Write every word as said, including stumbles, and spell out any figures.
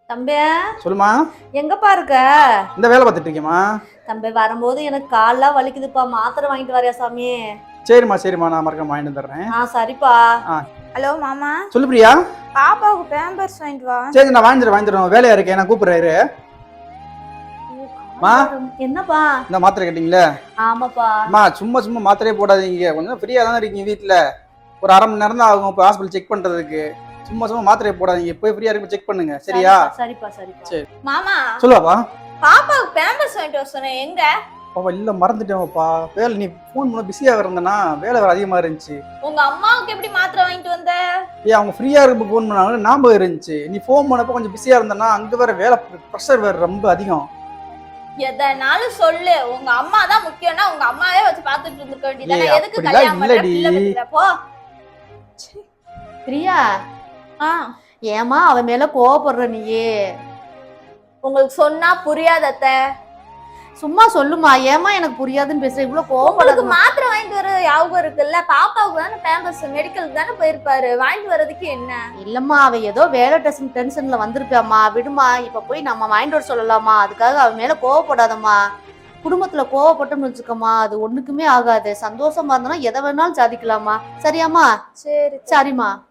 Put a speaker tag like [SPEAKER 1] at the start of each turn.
[SPEAKER 1] தம்பி
[SPEAKER 2] சொல்லுமா.
[SPEAKER 1] எங்கப்பா இருக்க?
[SPEAKER 2] இந்த வேலை பார்த்துட்டு இருக்கேம்மா.
[SPEAKER 1] தம்பி வரும்போது எனக்கு கால்லாம் வலிக்குதுப்பா, மாத்திரை வாங்கிட்டு வரையா சாமி?
[SPEAKER 2] சரிம்மா சரிம்மா, நான் மறக்காம வாங்கிட்டு வந்துடுறேன்.
[SPEAKER 1] ஆ சரிப்பா.
[SPEAKER 3] ஹலோ மாமா.
[SPEAKER 2] சொல்லு பிரியா.
[SPEAKER 3] பாப்பாவுக்கு பேம்பர்ஸ் வாங்கிட்டு வா.
[SPEAKER 2] சரி, நான் வாங்கிடுறேன் வாங்கிடுறேன் வேலையா இருக்கேன், நான் கூப்பிடுறாரு. மா
[SPEAKER 1] என்னப்பா?
[SPEAKER 2] இந்த மாத்திரை கேட்டீங்களே?
[SPEAKER 1] ஆமாப்பா.
[SPEAKER 2] அம்மா சும்மா சும்மா மாத்திரையே போடாதீங்க, கொஞ்சம் ஃப்ரீயா தானே இருக்கீங்க வீட்டுல. ஒரு அரை மணி நேரம் தான் ஆகும் இப்போ ஹாஸ்பிட்டல் செக் பண்றதுக்கு. சும்மா சும்மா மாத்திரையை போடாதீங்க, போய் ஃப்ரீயா இருக்கு செக் பண்ணுங்க, சரியா?
[SPEAKER 1] சரிப்பா சரிப்பா.
[SPEAKER 2] சரி
[SPEAKER 3] மாமா,
[SPEAKER 2] சொல்லுவாப்பா.
[SPEAKER 3] பாப்பாவுக்கு பேம்பர்ஸ் வாங்கிட்டு வர சொன்னேன், எங்க?
[SPEAKER 2] பாப்பா இல்ல மறந்துட்டேன்ப்பா, வேலை நீ ஃபோன் பண்ண பிஸியா இருந்தேன்னா வேலை வேற அதிகமா இருந்துச்சு.
[SPEAKER 3] உங்க அம்மாவுக்கு எப்படி மாத்திரை வாங்கிட்டு வந்த?
[SPEAKER 2] ஏ அவங்க ஃப்ரீயா இருக்க ஃபோன் பண்ணாங்க, ஞாபகம் இருந்துச்சு. நீ ஃபோன் பண்ணப்போ கொஞ்சம் பிஸியா இருந்தேன்னா அங்க வேற வேலை ப்ரெஷர் வேற ரொம்ப அதிகம்.
[SPEAKER 3] எதனாலும் சொல்லு, உங்க அம்மா தான் முக்கியம்னா உங்க அம்மாவே வச்சு பாத்துட்டு இருந்துக்க வேண்டியதானே.
[SPEAKER 2] ஏய்,
[SPEAKER 3] எதுக்கு
[SPEAKER 2] அப்படிலாம்
[SPEAKER 3] கல்யாணம் பண்ற
[SPEAKER 2] இல்லடி.
[SPEAKER 3] பிள்ளை பெத்துற போ.
[SPEAKER 1] பிரியா,
[SPEAKER 3] ஆ,
[SPEAKER 1] ஏமா அவன் மேல கோவப்படுற நீயே?
[SPEAKER 3] உங்களுக்கு சொன்னா புரியாத அத்தை.
[SPEAKER 1] சும்மா சொல்லுமா, ஏமா எனக்கு புரியாதுன்னு பேசுற? இவ்வளவு
[SPEAKER 3] உங்களுக்கு
[SPEAKER 1] கோவப்படாத.
[SPEAKER 3] மாத்திரை வாங்கிட்டு வர ஞாபகம் இருக்குல்ல, பாப்பாவுக்கு தானே பேம்பர்ஸ் மெடிக்கலுக்கு தானே போயிருப்பாரு, வாங்கிட்டு வர்றதுக்கு என்ன?
[SPEAKER 1] இல்லம்மா, அவ ஏதோ வேலை டென்ஷன் டென்ஷன்ல வந்திருப்பாம்மா, விடுமா. இப்ப போய் நம்ம வாங்கிட்டு வர சொல்லலாமா? அதுக்காக அவன் மேல கோவப்படாதம்மா. குடும்பத்துல கோவப்பட்டோம்னு வச்சுக்கோமா, அது ஒண்ணுக்குமே ஆகாது. சந்தோஷமா இருந்தோம்னா எதை வேணாலும் சாதிக்கலாமா, சரியாம்மா?
[SPEAKER 3] சரி
[SPEAKER 1] சரிம்மா.